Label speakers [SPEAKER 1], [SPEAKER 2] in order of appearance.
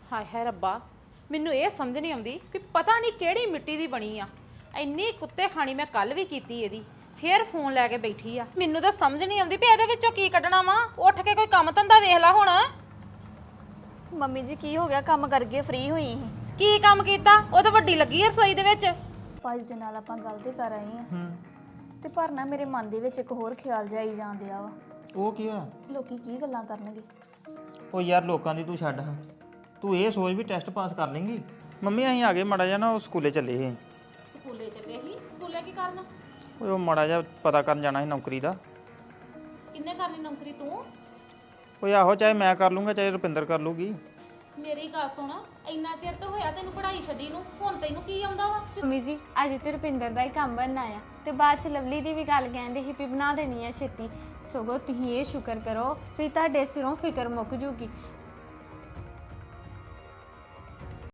[SPEAKER 1] ਹਾਏ ਹਾਏ ਰੱਬਾ, ਮੈਨੂੰ ਇਹ ਸਮਝ ਨਹੀਂ ਆਉਂਦੀ ਵੀ ਪਤਾ ਨਹੀਂ ਕਿਹੜੀ ਮਿੱਟੀ ਦੀ ਬਣੀ ਆ। ਇੰਨੀ ਕੁੱਤੇ ਖਾਣੀ ਮੈਂ ਕੱਲ ਵੀ ਕੀਤੀ ਇਹਦੀ, ਫੇਰ ਫੋਨ ਲੈ ਕੇ ਬੈਠੀ ਆ। ਮੈਨੂੰ ਤਾਂ ਸਮਝ ਨਹੀਂ ਆਉਂਦੀ ਵੀ ਇਹਦੇ ਵਿੱਚੋਂ ਕੀ ਕੱਢਣਾ ਵਾ। ਉੱਠ ਕੇ ਕੋਈ ਕੰਮ ਧੰਦਾ ਵੇਖ ਲੈ ਹੁਣ।
[SPEAKER 2] ਮੰਮੀ ਜੀ ਕੀ ਹੋ ਗਿਆ? ਕੰਮ ਕਰਕੇ ਫ੍ਰੀ ਹੋਈ ਸੀ।
[SPEAKER 1] ਕੀ ਕੰਮ ਕੀਤਾ? ਉਹ ਤਾਂ ਵੱਡੀ ਲੱਗੀ ਆ ਰਸੋਈ ਦੇ ਵਿੱਚ।
[SPEAKER 2] ਭਾਜੀ ਦੇ ਨਾਲ ਆਪਾਂ ਗੱਲ ਤੇ ਕਰ ਆਏ ਆ ਤੇ ਪਰ ਨਾ ਮੇਰੇ ਮਨ ਦੇ ਵਿੱਚ ਇੱਕ ਹੋਰ ਖਿਆਲ ਜਾਈ ਜਾਂਦਿਆ ਵਾ।
[SPEAKER 3] ਉਹ ਕੀ ਹੋਇਆ?
[SPEAKER 2] ਲੋਕੀ ਕੀ ਗੱਲਾਂ ਕਰਨਗੇ?
[SPEAKER 3] ਉਹ ਯਾਰ ਲੋਕਾਂ ਦੀ ਤੂੰ ਛੱਡ ਹਾਂ, ਤੂੰ ਇਹ ਸੋਚ ਵੀ ਟੈਸਟ ਪਾਸ ਕਰ ਲੇਂਗੀ। ਮੰਮੀ ਅਸੀਂ ਆ ਗਏ ਮਾੜਾ ਜਿਹਾ ਨਾ, ਉਹ ਸਕੂਲੇ ਚੱਲੇ ਸੀ।
[SPEAKER 1] ਸਕੂਲੇ ਚੱਲੇ ਸੀ? ਸਕੂਲੇ ਕੀ ਕਰਨਾ?
[SPEAKER 3] ਓਏ ਉਹ ਮਾੜਾ ਜਿਹਾ ਪਤਾ ਕਰਨ ਜਾਣਾ ਸੀ ਨੌਕਰੀ ਦਾ।
[SPEAKER 1] ਕਿੰਨੇ ਕਰਨੀ ਨੌਕਰੀ ਤੂੰ?
[SPEAKER 3] ਓਏ ਆਹੋ, ਚਾਹੇ ਮੈਂ ਕਰ ਲੂੰਗਾ ਚਾਹੇ ਰੁਪਿੰਦਰ ਕਰ ਲੂਗੀ।
[SPEAKER 1] ਮੇਰੀ ਗੱਲ ਸੁਣ, ਇੰਨਾ ਚਿਰ ਤਾਂ ਹੋਇਆ ਤੈਨੂੰ ਪੜ੍ਹਾਈ ਛੱਡੀ ਨੂੰ, ਹੁਣ ਤੈਨੂੰ ਕੀ ਆਉਂਦਾ ਵਾ?
[SPEAKER 4] ਮੰਮੀ ਜੀ ਅੱਜ ਤੇ ਰੁਪਿੰਦਰ ਦਾ ਹੀ ਕੰਮ ਬਣਨਾ ਆ ਤੇ ਬਾਅਦ ਚ ਲਵਲੀ ਦੀ ਵੀ ਗੱਲ ਕਹਿੰਦੇ ਸੀ ਵੀ ਬਣਾ ਦੇਣੀ ਆ ਛੇਤੀ। ਸਗੋਂ ਤੁਸੀਂ ਇਹ ਸ਼ੁਕਰ ਕਰੋ ਵੀ ਤੁਹਾਡੇ ਸਿਰੋਂ ਫਿਕਰ ਮੁੱਕ ਜੂਗੀ।